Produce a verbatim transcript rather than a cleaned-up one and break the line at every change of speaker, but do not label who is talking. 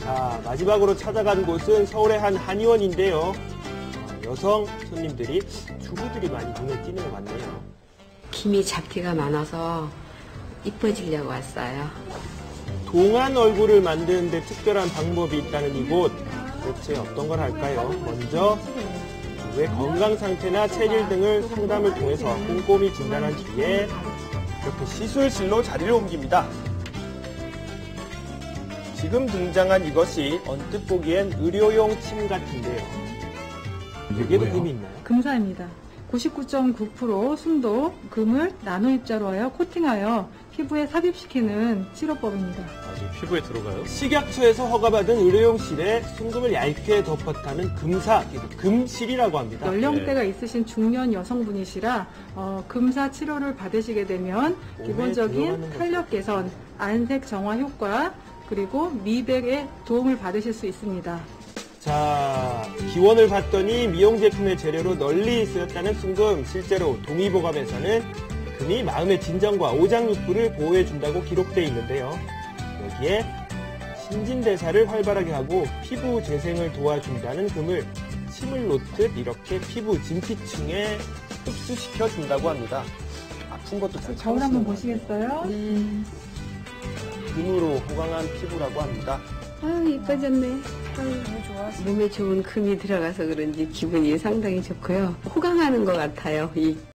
자, 마지막으로 찾아간 곳은 서울의 한 한의원인데요. 어, 여성 손님들이, 주부들이 많이 눈에 띄는 것 같네요.
김이 잡티가 많아서 이뻐지려고 왔어요.
동안 얼굴을 만드는데 특별한 방법이 있다는 이곳. 도대체 어떤 걸 할까요? 먼저 왜 건강 상태나 체질 등을 상담을 통해서 꼼꼼히 진단한 뒤에 이렇게 시술실로 자리를 옮깁니다. 지금 등장한 이것이 언뜻 보기엔 의료용 침 같은데요. 여기에도 금이 있나요?
금사입니다. 구십구 점 구 퍼센트 순도 금을 나노 입자로 하여 코팅하여 피부에 삽입시키는 치료법입니다.
아직 피부에 들어가요?
식약처에서 허가받은 의료용 실에 순금을 얇게 덮었다는 금사, 금실이라고 합니다.
연령대가 있으신 중년 여성분이시라 어, 금사 치료를 받으시게 되면
몸에
기본적인
들어가는
탄력 개선, 안색 정화 효과, 그리고 미백에 도움을 받으실 수 있습니다.
자, 기원을 봤더니 미용 제품의 재료로 널리 쓰였다는 순금. 실제로 동의보감에서는 금이 마음의 진정과 오장육부를 보호해준다고 기록되어 있는데요. 여기에 신진대사를 활발하게 하고 피부 재생을 도와준다는 금을 침을 놓듯 이렇게 피부 진피층에 흡수시켜준다고 합니다. 아픈 것도 잘
거울 한번
참으시는 것 같아요.
보시겠어요?
네.
금으로 호강한 피부라고 합니다.
아유, 이뻐졌네. 아유, 몸에 좋은 금이 들어가서 그런지 기분이 상당히 좋고요. 호강하는 것 같아요. 이